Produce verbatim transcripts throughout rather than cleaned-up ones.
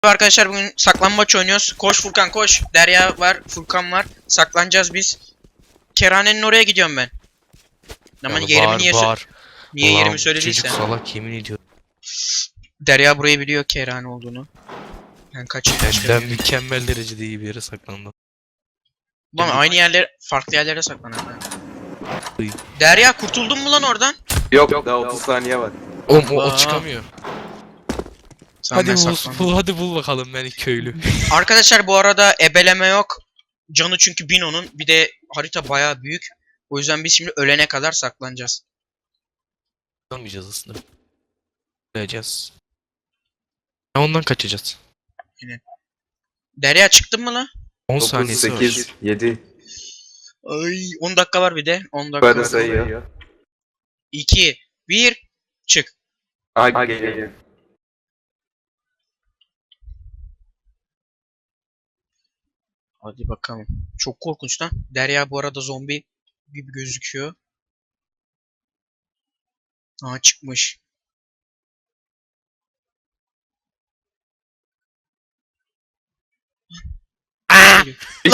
Arkadaşlar bugün saklambaç oynuyoruz. Koş Furkan koş. Derya var, Furkan var. Saklanacağız biz. Kerhanenin oraya gidiyorum ben. Ama Yani yerimi bağır, niye bağır. niye Ulan yerimi çocuk söylediysen. salak yemin ediyorum. Derya burayı biliyor kerhane olduğunu. Ben kaçayım. Benden mükemmel derecede iyi bir yere saklandım. Ulan aynı yerler, farklı yerlere saklanıyor. Derya kurtuldun mu lan oradan? Yok, Yok daha otuz saniye var. Oğlum o, Aa. o çıkamıyor. Tamam, Hadi ben bul, saklandım. bul, hadi bul bakalım beni köylü. Arkadaşlar bu arada ebeleme yok. Canı çünkü Bino'nun. Bir de harita bayağı büyük. O yüzden biz şimdi ölene kadar saklanacağız. Olmayacağız aslında. Öleceğiz. Ya ondan kaçacağız. Derya çıktın mı lan? on dokuz, saniyesi var. sekiz, yedi. Ay on dakika var bir de. on dakika Böyle var. sayıyor. iki, bir, çık. Aha geliyor. Hadi bakalım. Çok korkunç lan. Derya bu arada zombi gibi gözüküyor. Aa çıkmış. Aa!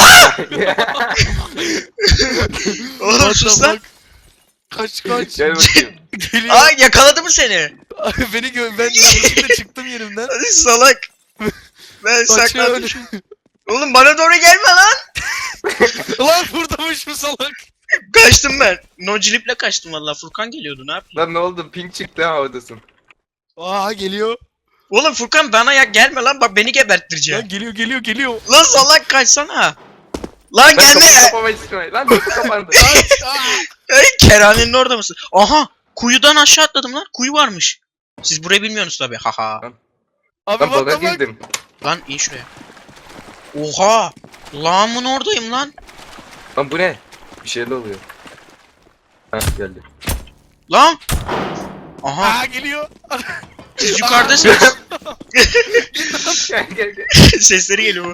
Oğlum What sus the lan. fuck? Kaç kaç. Gel bakayım. Geliyor. Aa yakaladı mı seni? Abi beni gö ben yanlışlıkla çıktım yerimden. Hadi salak. Ben sakladım. Kaçıyor. Oğlum bana doğru gelme lan. Lan buradaymış bu salak. Kaçtım ben. Nocilip'le kaçtım valla. Furkan geliyordu ne yapayım? Lan ne oldu? Pink çıktı ha oradasın. Aa geliyor. Oğlum Furkan bana ya gelme lan bak beni geberttireceksin. Lan geliyor geliyor geliyor. Lan salak kaçsana. Lan Lan gelme. kapıyı kapamayı istiyorum. Lan kapı kapandı. Kaç. Aa. Ey kerhanenin orada mısın? Aha kuyudan aşağı atladım lan. Kuyu varmış. Siz burayı bilmiyorsunuz tabi. Haha. Abi Lan baga what the fuck? girdim. Lan in şuraya. Oha. Lağımın oradayım lan. Lan bu ne? Bir şeyler oluyor. Ha geldi. Lan. Aha. Aa geliyor. Siz yukarıdasınız. Gel gel gel. Sesleri geliyor.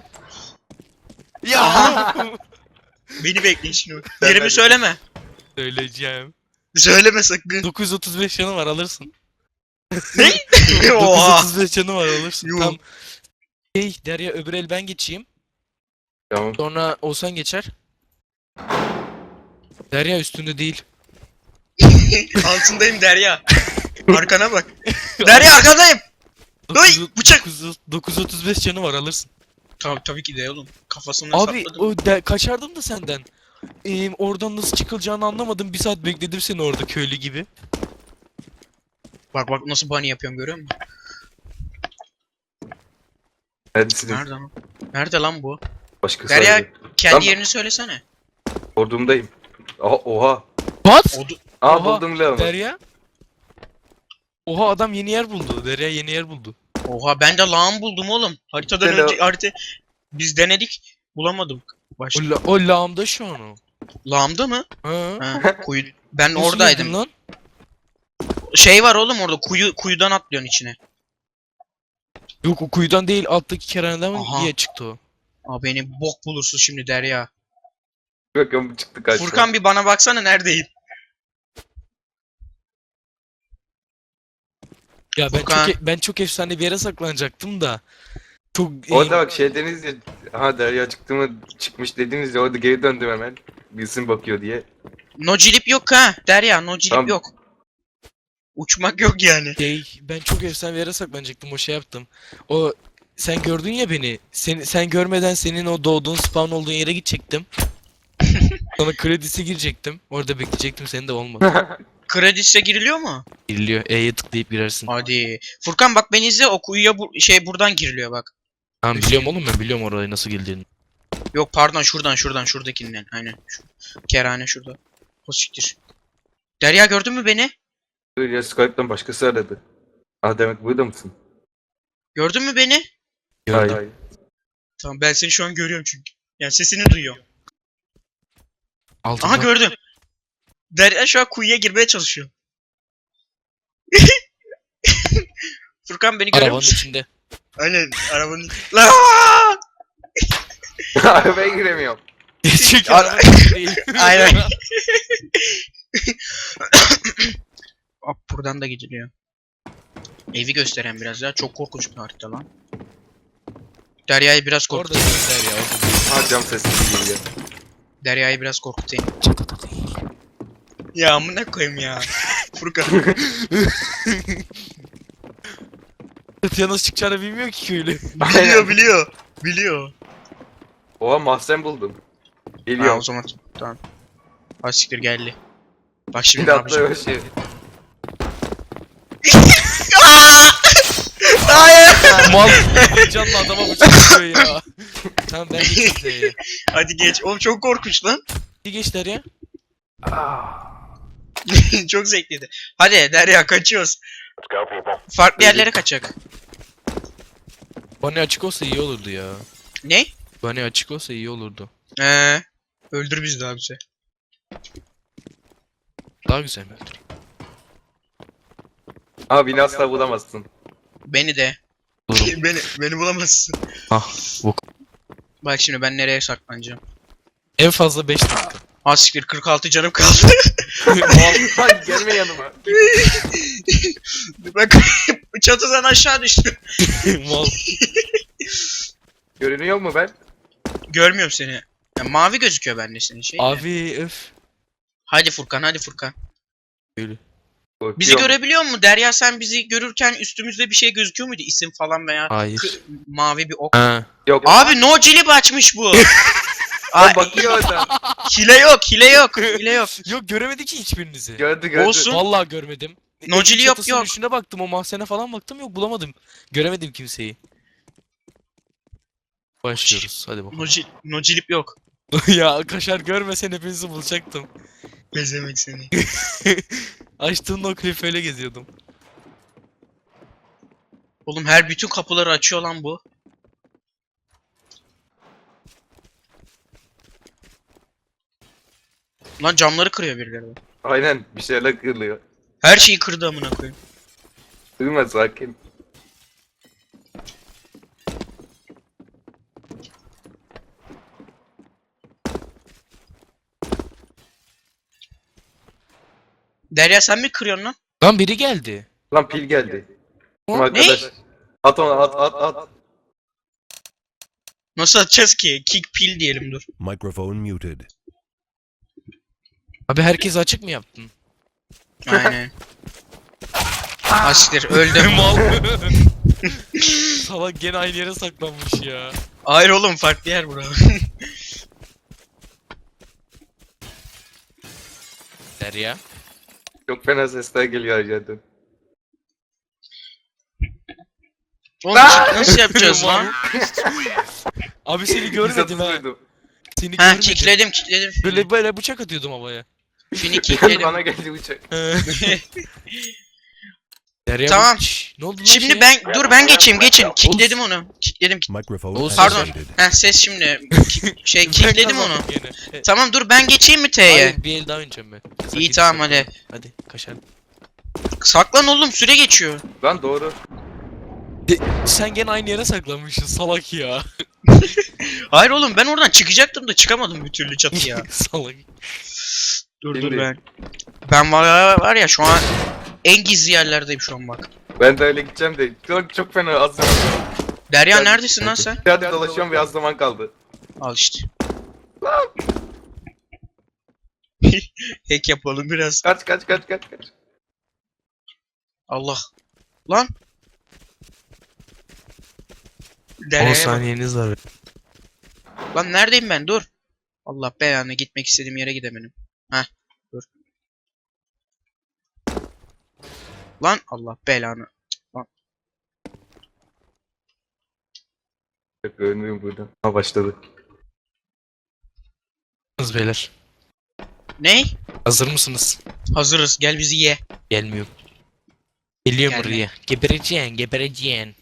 Ya. Beni bekleyin şimdi. Ben- Yerimi ben- söyleme. Söyleyeceğim. Söyleme sakın. dokuz yüz otuz beş canı var alırsın. Ne? Oha. dokuz yüz otuz beş canı var alırsın. Yuh. Tam. Hey Derya öbür el ben geçeyim. Tamam. Sonra Oğuzhan geçer. Derya üstünde değil. Altındayım Derya. Arkana bak. Derya arkadayım. dokuz yüz- bıçak. dokuz yüz- dokuz yüz otuz beş canı var alırsın. Tabii, tabii ki de oğlum. Kafasına Abi sapladım. o de, kaçardım da senden. Ee, oradan nasıl çıkılacağını anlamadım. Bir saat bekledim seni orada köylü gibi. Bak bak nasıl bunny yapıyorum görüyor musun? Neredesiniz? Nerede lan? Nerede lan bu? Başka Derya söyle. kendi Lan- yerini söylesene. Ordumdayım. Oha oha. What? Odu Aa Oha, buldum Leon'u. Derya? Oha adam yeni yer buldu. Derya yeni yer buldu. Oha ben de lağım buldum oğlum. Haritadan Hello. önce harita biz denedik. Bulamadım. Başka. O, la, o lağımda şu an o. Lağımda mı? Ha? Ha, kuyu. Ben Nasıl oradaydım. girdin lan? Şey var oğlum orada kuyu kuyudan atlıyorsun içine. Yok o kuyudan değil alttaki kerhaneden mi Aha. diye çıktı o. Aa beni bok bulursun şimdi Derya. Bakın çıktı kaçtı. Furkan bir bana baksana neredeyim? Ya ben Furkan. çok e- ben çok efsane bir yere saklanacaktım da. Çok Orada e, bak şey dediniz ya. Aha Derya çıktı mı çıkmış dediniz ya orada geri döndüm hemen. Bilsin bakıyor diye. Nocilip yok ha. Derya nocilip Tamam. yok. Uçmak yok yani. şey ben çok efsane bir yere saklanacaktım o şey yaptım. O sen gördün ya beni. Sen sen görmeden senin o doğduğun spawn olduğun yere gidecektim. Sonra kredisi girecektim. Orada bekleyecektim seni de olmadı. Kredise giriliyor mu? Giriliyor. E'ye tıklayıp girersin. Hadi. Furkan bak beni izle o kuyuya bu şey buradan giriliyor bak. Tamam biliyorum oğlum ben biliyorum orayı nasıl girdiğini. Yok pardon şuradan şuradan şuradakinden. Aynen. Şu. Kerhane şurada. O siktir. Derya gördün mü beni? Dur ya Skype'dan başkası aradı. Aa demek burada mısın? Gördün mü beni? Gördüm. Hayır. Tamam ben seni şu an görüyorum çünkü. Yani sesini duyuyorum. Altından. Aha gördüm. Derya şu an kuyuya girmeye çalışıyor. Furkan beni görüyor Arabanın musun? içinde. Aynen arabanın. La! Arabaya giremiyorum. Çünkü Ara- arabanın içinde değil. Aynen. Hop buradan da gidiliyor. Evi gösteren biraz ya. Çok korkunç bir harita lan. Derya'yı biraz Orada korkutayım. değiller ya. Orada değil. Ha cam sesi geliyor. Derya'yı biraz korkutayım. Çatıda değil. Ya amına koyayım ya. Furkan. Çatıya nasıl çıkacağını bilmiyor ki köylü. biliyor biliyor. Biliyor. Oha mahzen buldum. Ha, Geliyor. o zaman tamam. Asiktir geldi. Bak şimdi Şimdi ne yapacağım. atlıyor şey. Hayır. Mal canlı adama bıçak atıyor ya. Tamam ben geçeyim Z'ye. Hadi geç. Oğlum çok korkunç lan. Bir geçler ya. Çok zevkliydi. Hadi Derya kaçıyoruz. Farklı yerlere kaçak. Bana açık olsa iyi olurdu ya. Ne? Bana açık olsa iyi olurdu. Ee, öldür bizi daha bize. Daha güzel mi? Abi beni asla bulamazsın. Beni de. Bulurum. beni beni bulamazsın. Ah bu. Bak şimdi ben nereye saklanacağım? En fazla beş dakika. Asiktir kırk altı canım kaldı. Lan gelme yanıma. Bak çatıdan aşağı düştüm. Mal. Görünüyor mu ben? Görmüyorum seni. Ya, mavi gözüküyor bende senin şey. de. Abi öf. Hadi Furkan hadi Furkan. Köylü. Bizi Korkuyorum. görebiliyor mu? Derya sen bizi görürken üstümüzde bir şey gözüküyor muydu? İsim falan veya Hayır. kı- mavi bir ok. Ha. Yok. Abi no cilip açmış bu. Lan Ay, bakıyor orada. hile yok, hile yok, hile yok. Yok göremedi ki hiçbirinizi. Gördü gördü. Olsun. Vallahi görmedim. Nocili Evin yok, çatısının yok. üstüne baktım, o mahzene falan baktım, yok bulamadım. Göremedim kimseyi. Başlıyoruz hadi bakalım. No, cil- no cilip yok. Ya kaşar görmesen hepinizi bulacaktım. Bezemek seni. Açtığım o klip öyle geziyordum. Oğlum her bütün kapıları açıyor lan bu. Lan camları kırıyor birileri. Aynen bir şeyler kırılıyor. Her şeyi kırdı amına koyayım. Duyma sakin. Derya sen mi kırıyorsun lan? Lan biri geldi. Lan pil geldi. O Ama arkadaş. At onu at at at. Nasıl atacağız ki? Kick pil diyelim dur. Microphone muted. Abi herkes açık mı yaptın? Aynen. Asiktir öldüm. Mal. Salak gene aynı yere saklanmış ya. Hayır oğlum farklı yer bura. Derya. Çok fena sesler geliyor aşağıdan. Oğlum nasıl yapacağız lan? Abi seni görmedim ha. Seni Ha görmedim. kickledim kickledim. Böyle böyle bıçak atıyordum havaya. Fini kickledim. Bana geldi uçak. Derya Tamam. bak- Şşş, ne oldu lan Şimdi şeye? ben dur ben geçeyim geçin. Kickledim onu. Kickledim. Microphone Oğuz, Pardon. activated. Ha ses şimdi. Ki- şey Ben kickledim onu. kazandım gene. E, Tamam dur ben geçeyim mi T'ye? Hayır bir el daha oynayacağım ben. Sen İyi git tamam saklan. hadi. Hadi kaşar. Saklan oğlum süre geçiyor. Lan doğru. Sen gene aynı yere saklanmışsın salak ya. Hayır oğlum ben oradan çıkacaktım da çıkamadım bir türlü çatıya. Salak. dur dur Şimdi. ben. Ben var, var ya şu an en gizli yerlerdeyim şu an bak. Ben de öyle gideceğim de. Çok, çok fena az zaman. Derya Ben- neredesin lan sen? Hadi dolaşıyorum ve az zaman kaldı. Al işte. Hack yapalım biraz. Kaç kaç kaç kaç kaç. Allah. Lan. on Derya'ya bak. saniyeniz var. Lan neredeyim ben? Dur. Allah belanı gitmek istediğim yere gidemedim. Heh. Dur. Lan Allah belanı. Yok görünüyorum buradan. Ha başladı. Hazır beyler. Ne? Hazır mısınız? Hazırız. Gel bizi ye. Gelmiyorum. Geliyorum Gelme. buraya. Gebereceksin, gebereceksin.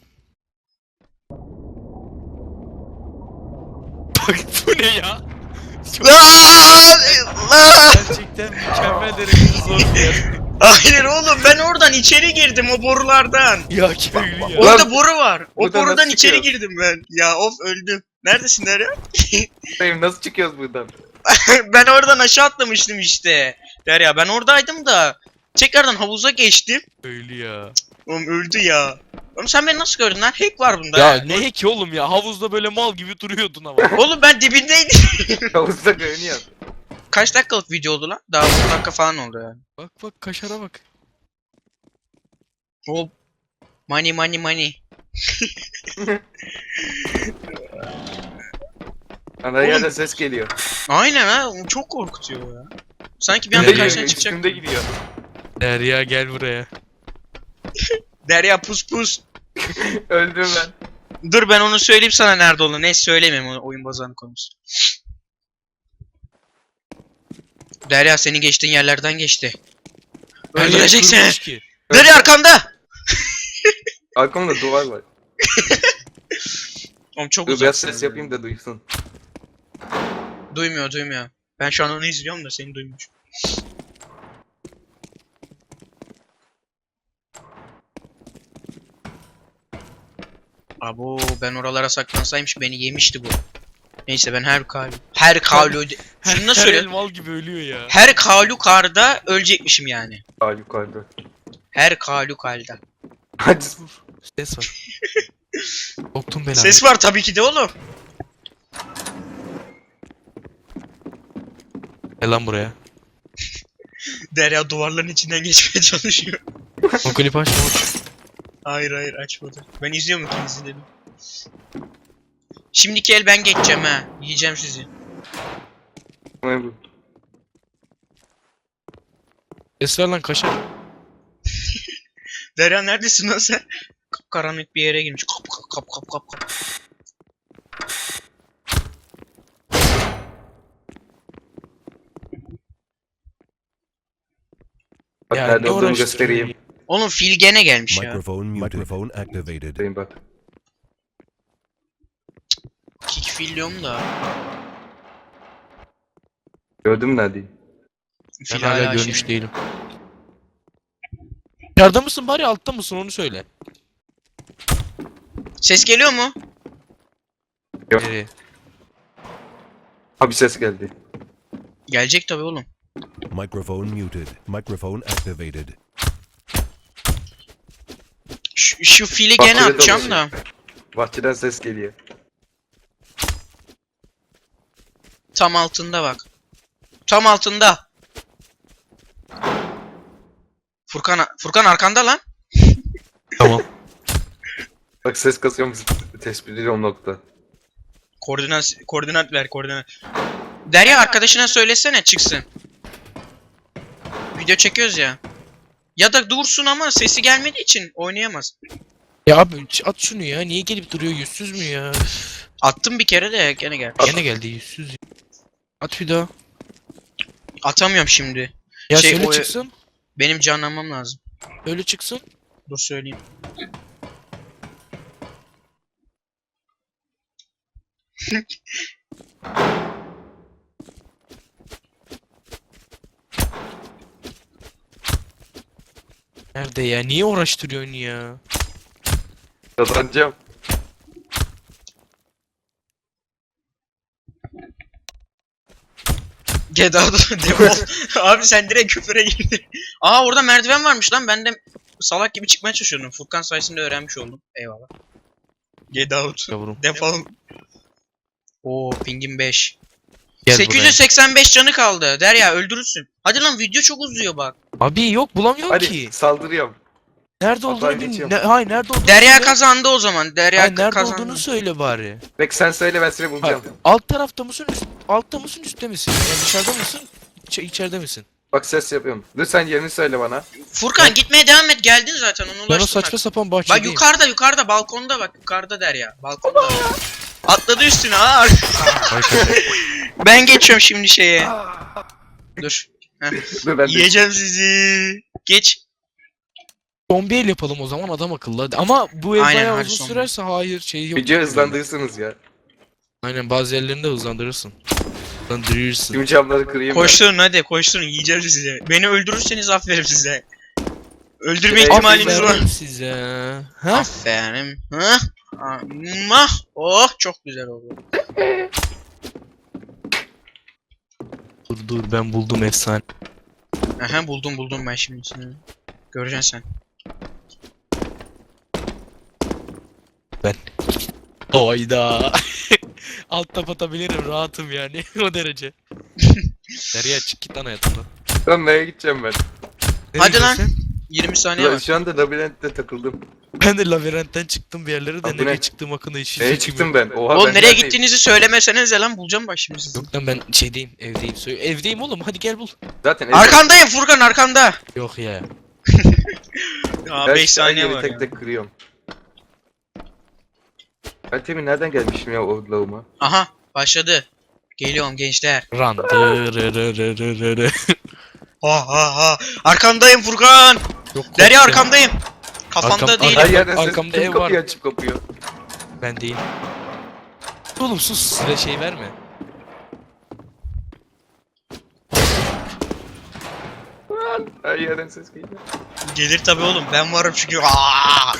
Bak bu ne ya? Çok Lan! Lan! gerçekten mükemmel derecede zor bir yer. Hayır oğlum ben oradan içeri girdim o borulardan. Ya köylü ya. Orada boru var. O buradan borudan nasıl içeri çıkıyor? girdim ben. Ya of öldüm. Neredesin Derya? Dayım nasıl çıkıyoruz buradan? Ben oradan aşağı atlamıştım işte. Derya ben oradaydım da Tekrardan havuza geçtim. Öyle ya. Oğlum öldü ya. Oğlum sen beni nasıl gördün lan? Hack var bunda. Ya ha. ne ki oğlum ya, havuzda böyle mal gibi duruyordun ama. Oğlum ben dibindeydim. Havuzda görünüyor. Kaç dakikalık video oldu lan? Daha on dakika falan oldu yani. Bak bak kaşara bak. O money money money. Ana yerden ses geliyor. Aynen ha. o Çok korkutuyor ya. Sanki bir anda Geliyor, karşına çıkacak. Üstümde gidiyor. Derya gel buraya. Derya pus pus. Öldüm ben. Dur ben onu söyleyeyim sana nerede olduğunu. Neyse söylemeyeyim o oyun bazanı konusu. Derya seni geçtiğin yerlerden geçti. Her yer Öldürecek seni. kurumuş ki. Derya arkanda. Arkamda duvar var. Oğlum çok Dur biraz uzaksın. ses yapayım da duysun. Duymuyor duymuyor. Ben şu an onu izliyorum da seni duymuş. Abo ben oralara saklansaymış beni yemişti bu. Neyse ben her kalu her kalu şunu da Her söyle. el mal gibi ölüyor ya. Her kalukarda ölecekmişim yani. Aa yukarıda. Her kalukarda. Hadi. Ses var. Soktum belanı. Ses var tabii ki de oğlum. Gel lan buraya. Derya duvarların içinden geçmeye çalışıyor. O klip açma aç. Hayır hayır açmadı. Ben izliyorum ikinizi dedim. Şimdiki el ben geçeceğim ha. Yiyeceğim sizi. Ne bu? Ses ver lan kaşar. Derya neredesin lan sen? Karanlık bir yere girmiş. Kap kap kap kap kap kap. Bak Ya nerede ne olduğumu uğraştırıyor göstereyim. Oğlum fil gene gelmiş ya. Microphone muted. Microphone activated. Göstereyim bak. Kick fil diyorum da. Gördün mü neredeyi? Ben Fil hala hala görmüş şey. değilim. Dışarıda mısın bari altta mısın onu söyle. Ses geliyor mu? Yok. Nereye? Ha bir ses geldi. Gelecek tabii oğlum. Microphone muted. Microphone activated. Şu, şu fili Bak, gene öyle atacağım dolaşıyor. da. Bahçeden ses geliyor. Tam altında bak. Tam altında. Furkan Furkan arkanda lan. Tamam. Bak ses kasıyorum tespit ediyorum nokta. Koordinat koordinat ver koordinat. Derya arkadaşına söylesene çıksın. Video çekiyoruz ya. Ya da dursun ama sesi gelmediği için oynayamaz. Ya abi ç- at şunu ya. Niye gelip duruyor, yüzsüz mü ya? Attım bir kere de gene gel. Gene geldi yüzsüz. ya. At bir daha. Atamıyorum şimdi. Ya Şey, söyle o- çıksın. Benim canlanmam lazım. Öyle çıksın. Dur söyleyeyim. Nerede ya? Niye uğraştırıyorsun ya? Kazanacağım. Get out defol. Abi sen direkt küfüre girdin. Aa orada merdiven varmış lan. Ben de salak gibi çıkmaya çalışıyordum. Furkan sayesinde öğrenmiş oldum. Eyvallah. Get out. Yavrum. Defol. Oo pingim beş. Gel sekiz yüz seksen beş canı kaldı. Derya öldürürsün. Hadi lan video çok uzuyor bak. buraya. Abi yok bulamıyorum Hadi ki. saldırıyorum. Nerede Hatta olduğunu bil. geçiyorum. Ne, hayır nerede olduğunu Derya söyle. kazandı o zaman. Derya Hayır, nerede kazandı. olduğunu söyle bari. Bek sen söyle ben seni Hayır, bulacağım. alt tarafta mısın? Üst, altta mısın? Üstte misin? Yani dışarıda mısın? İç, içeride misin? Bak ses yapıyorum. Dur sen yerini söyle bana. Furkan gitmeye devam et. Geldin zaten onu Ben o ulaştın saçma bak. sapan Bak bahçedeyim. yukarıda yukarıda balkonda bak. Yukarıda Derya. Balkonda. Atladı üstüne. Aa. Vay kadar. Ben geçiyorum şimdi şeye. Dur. Dur ben de. Yiyeceğim sizi. Geç. Zombi el yapalım o zaman adam akıllı. Hadi. Ama bu el Aynen, bayağı hadi uzun zombi. sürerse hayır şey yok. Video hızlandırırsınız ya. Aynen bazı yerlerinde hızlandırırsın. Hızlandırırsın. Tüm camları kırayım ben. Koşturun hadi koşturun. Yiyeceğim sizi. Beni öldürürseniz aferin size. Öldürme Aferin ihtimaliniz var. Aferin size. Ha? Aferin. Hı? Mah. Oh çok güzel oldu. Dur dur ben buldum efsane. Aha buldum buldum ben şimdi seni. Göreceksin sen. Ben. Oyda. Alt tap atabilirim rahatım yani o derece. Nereye çık git lan hayatımdan. Lan nereye gideceğim ben? Nereye Hadi lan. gidiyorsun yirmi saniye Lan var. şu anda labirentte takıldım. sen? Ben de labirentten çıktım bir yerlere de Abi bu nereye ne? çıktığım hakkında hiç Nereye fikrim çıktım yok. ben? Oha Oğlum ben nereye neredeyim? gittiğinizi söylemesenize lan bulacağım bak şimdi sizi. Yok lan ben şeydeyim evdeyim. Sö- evdeyim oğlum hadi gel bul. Zaten ev- Arkandayım Furkan arkanda. Yok ya. Aa her beş şey- saniye her yeri var tek ya. tek kırıyorum. Ben temin nereden gelmişim ya o lağıma? Aha başladı. Geliyorum gençler. Run. Dırırırırırı. Ha ha ha. Arkandayım Furkan. Yok, Derya korktum. arkandayım. Kafanda Arkam- değilim. Her yerden ses arkamda kim ev kapıyı var. açıp kapıyor. Ben değil. Oğlum sus size şey verme. Her yerden ses geliyor. Gelir tabi oğlum ben varım çünkü. Aa!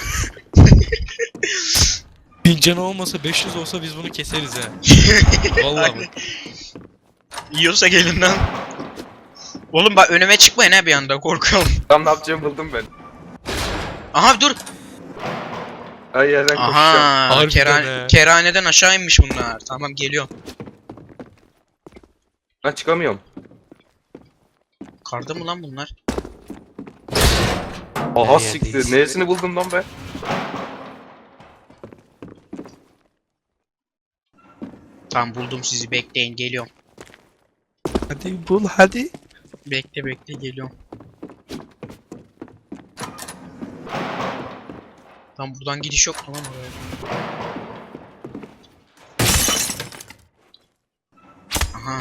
Bin canı olmasa beş yüz olsa biz bunu keseriz ha. Vallahi bak. Yiyorsa gelin lan. Oğlum bak önüme çıkmayın ha bir anda korkuyorum. Tam ne yapacağımı buldum ben. Aha dur. Her yerden koşacağım. Aha. Harbiden Keran he. kerhaneden aşağı inmiş bunlar. Tamam geliyorum. Lan çıkamıyorum. Karda mı lan bunlar? Aha Her siktir. yerdeyiz. Neresini buldum lan ben? Tamam buldum sizi bekleyin geliyorum. Hadi bul hadi. Bekle bekle geliyorum. Tam buradan gidiş yok tamam oraya. Aha.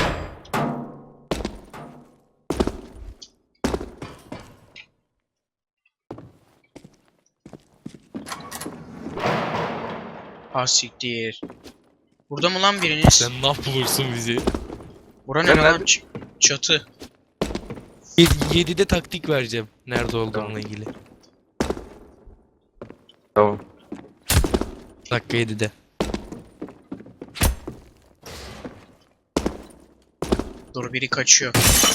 Ha siktir. Burada mı lan biriniz? Sen ne bulursun bizi? Bura ne Ben lan? nerede- Ç- çatı. yedide taktik vereceğim. Nerede olduğumla ilgili. Tamam. Dakika yedide. Dur biri kaçıyor.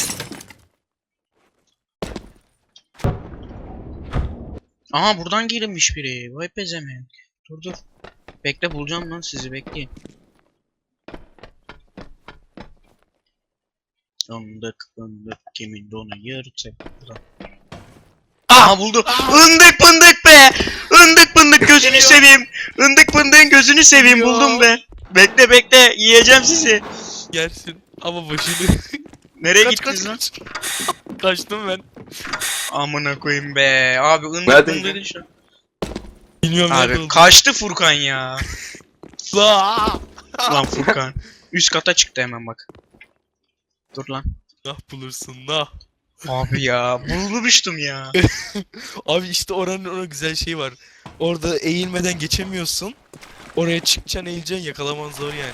Aha buradan girilmiş biri. Vay pezevenk. Dur dur. Bekle bulacağım lan sizi bekleyin. Fındık fındık kimin donu yırtık. Buradan. Aha buldum. Indık fındık be. Indık fındık gözünü Geliyor. seveyim. Indık fındığın gözünü seveyim Geliyor. buldum be. Bekle bekle yiyeceğim sizi. Gelsin. Ama başını. Nereye kaç gittiniz kaç lan? kaç. Kaçtım ben. Amına koyayım be. Abi ındık Neredeydin? fındığı şu an. Bilmiyorum nerede Abi olduğumu. kaçtı Furkan ya. Aa! Lan Furkan. Üst kata çıktı hemen bak. Dur lan. Nah bulursun nah. Abi ya bulmuştum ya. Abi işte oranın ona güzel şey var. Orada eğilmeden geçemiyorsun. Oraya çıkacaksın eğileceksin yakalaman zor yani.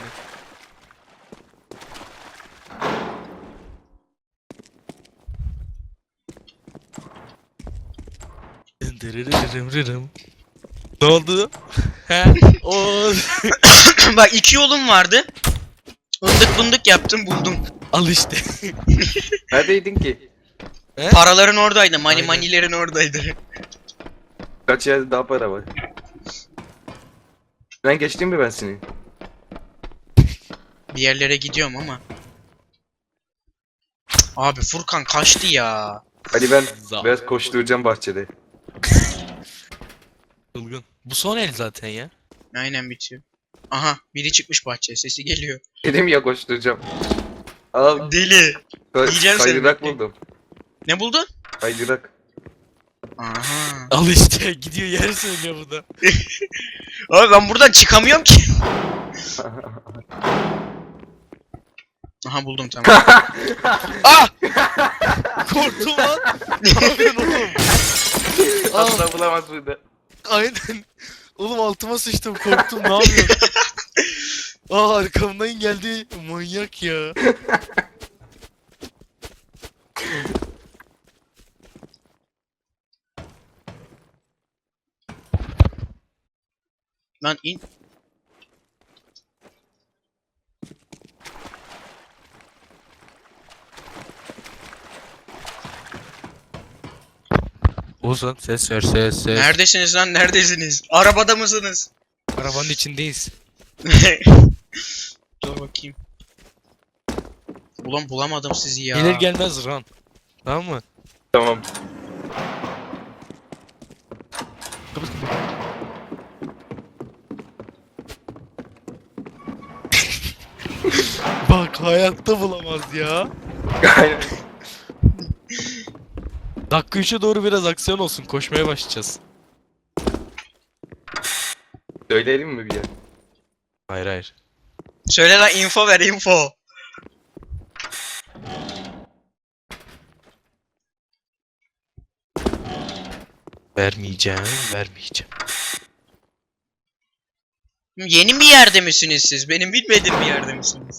Dırırırırırım. Ne oldu? He? O Bak iki yolum vardı. Fındık fındık yaptım buldum. al işte. Neredeydin ki? He? Paraların oradaydı. Mani Aynen. manilerin oradaydı. Kaç yerde daha para var? Ben geçtim mi ben seni? Bir yerlere gidiyorum ama. Abi Furkan kaçtı ya. Hadi ben Za- biraz koşturacağım bahçede. Çılgın. Bu son el zaten ya. Aynen bitiyor. Aha biri çıkmış bahçeye sesi geliyor. Dedim ya koşturacağım. Al. Deli. Ka- Yiyeceğim seni, kaydırak bekle. buldum. Ne buldun? Kaydırak. Aha. Al işte gidiyor yer söylüyor bu da. Abi ben buradan çıkamıyorum ki. Aha buldum tamam. Ah! Korktum lan. Ne yapıyorsun oğlum? Asla bulamaz burada. Aynen. Oğlum altıma sıçtım korktum ne yapıyorsun? Aa arkamdan geldi manyak ya. Lan in. Ozan ses ver ses ses. Neredesiniz lan? Neredesiniz? Arabada mısınız? Arabanın içindeyiz. Dur bakayım. Ulan bulamadım sizi ya. Gelir gelmez run. Tamam mı? Tamam. Kapat kapat. Bak hayatta bulamaz ya. Aynen. Dakika üçe doğru biraz aksiyon olsun. Koşmaya başlayacağız. Söyleyelim mi bir yer? Hayır hayır. Söyle lan, info ver, info. Vermeyeceğim, vermeyeceğim. Yeni bir yerde misiniz siz? Benim bilmediğim bir yerde misiniz?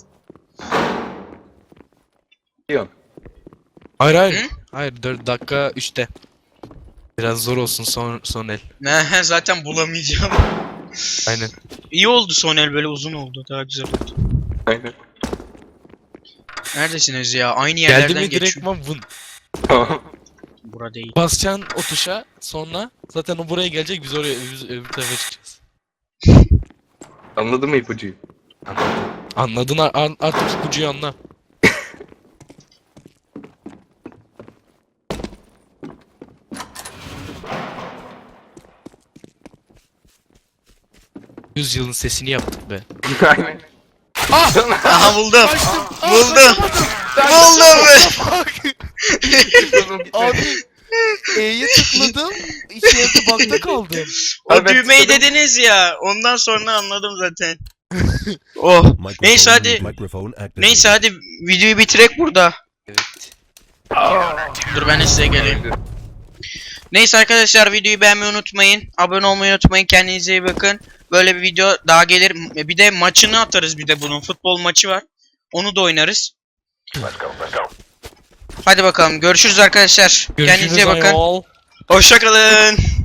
Yok. Hayır hayır. Hı? Hayır dört dakika üçte. Biraz zor olsun son son el. Ne, zaten bulamayacağım. Aynen. İyi oldu son el, böyle uzun oldu. Daha güzel oldu. Aynen. Neredesiniz ya? Aynı Geldi yerlerden mi geçiyor. direktman vın. Tamam. Bura değil. Basacaksın o tuşa sonra zaten o buraya gelecek biz oraya biz öbür tarafa çıkacağız. Anladın mı ipucuyu? Anladın ar- ar- artık ipucuyu anla. Yüz yılın sesini yaptık be. Aynen. Aha buldum. Kaçtım. Aa, Buldum. kaçamadım. Buldum. Abi E'ye tıkladım. İki yerde bakta kaldım. O Abi ben düğmeyi tıkladım. dediniz ya. Ondan sonra anladım zaten. Oh. Microphone, Neyse hadi. Microphone activated. Neyse hadi videoyu bitirek burada. Evet. Dur ben de size geleyim. Neyse arkadaşlar, videoyu beğenmeyi unutmayın. Abone olmayı unutmayın. Kendinize iyi bakın. Böyle bir video daha gelir. Bir de maçını atarız, bir de bunun. Futbol maçı var. Onu da oynarız. Hadi bakalım. Görüşürüz arkadaşlar. Görüşürüz Kendinize iyi bakın. ayol. Hoşça kalın.